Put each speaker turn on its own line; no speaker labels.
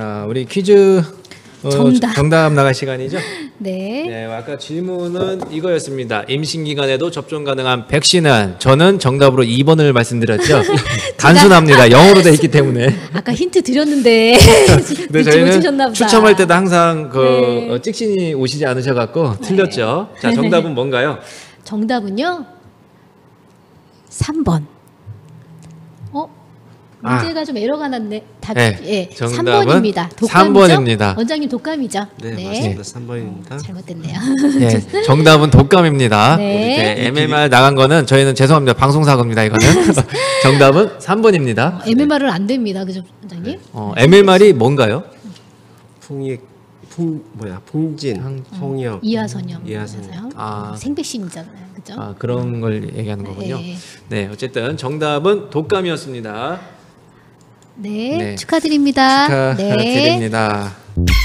자, 우리 퀴즈 정답 나갈 시간이죠?
네.
네, 아까 질문은 이거였습니다. 임신 기간에도 접종 가능한 백신은 저는 정답으로 2번을 말씀드렸죠. 단순합니다. 영어로 돼 있기 때문에.
아까 힌트 드렸는데
근데 저희는 추첨할 때도 항상 그 찍신이 오시지 않으셔갖고 틀렸죠. 자, 정답은 뭔가요?
정답은요. 3번. 문제가 좀 에러가 났네. 답이
네, 정답은
3번입니다.
3번입니다.
원장님 독감이죠?
네, 맞습니다. 3번입니다.
잘못됐네요.
네, 정답은 독감입니다.
네.
우리 MMR 나간 거는 저희는 죄송합니다. 방송사고입니다. 이거는. 정답은 3번입니다.
MMR은 안 됩니다. 그죠, 원장님?
MMR이 뭔가요?
풍진, 홍역,
이하선염.
이하선염.
생백신이잖아요. 그죠?
그런 걸 얘기하는 거군요.
네.
네, 어쨌든 정답은 독감이었습니다.
네,
네.
축하드립니다.
축하드립니다.
네.